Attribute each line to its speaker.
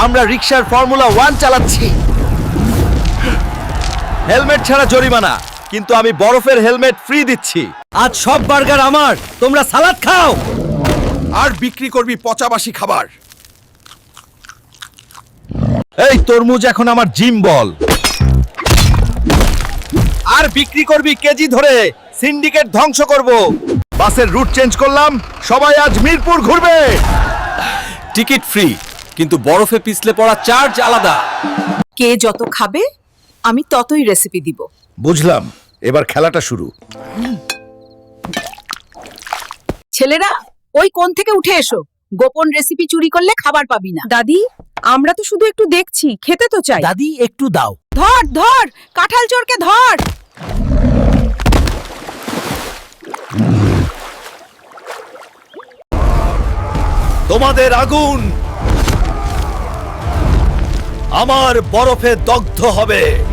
Speaker 1: আমরা রিকশার ফর্মুলা 1 চালাচ্ছি। হেলমেট ছাড়া জরিমানা, কিন্তু আমি বরফের হেলমেট ফ্রি দিচ্ছি। আজ সব বার্গার আমার, তোমরা সালাদ খাও
Speaker 2: আর বিক্রি করবি পচাবাসি খাবার।
Speaker 1: এই তরমুজ এখন আমার জিম বল। আর বিক্রি করবি কেজি ধরে, সিন্ডিকেট ধ্বংস করব। বাসের রুট চেঞ্জ করলাম, সবাই আজ মিরপুর ঘুরবে। টিকিট ফ্রি, কিন্তু বরফে পিছলে পড়া চার্জ আলাদা।
Speaker 3: কে যত খাবে আমি ততই রেসিপি দিব।
Speaker 1: বুঝলাম, এবার খেলাটা শুরু।
Speaker 3: ছেলেরা ওই কোণ থেকে উঠে এসো, গোপন রেসিপি চুরি করলে খাবার পাবি না।
Speaker 4: দাদি, আমরা তো শুধু একটু দেখছি, খেতে তো চাই।
Speaker 1: দাদি একটু দাও।
Speaker 3: ধর ধর, কাঁঠাল চোরকে ধর।
Speaker 1: তোমাদের আগুন আমার বরফে দগ্ধ হবে।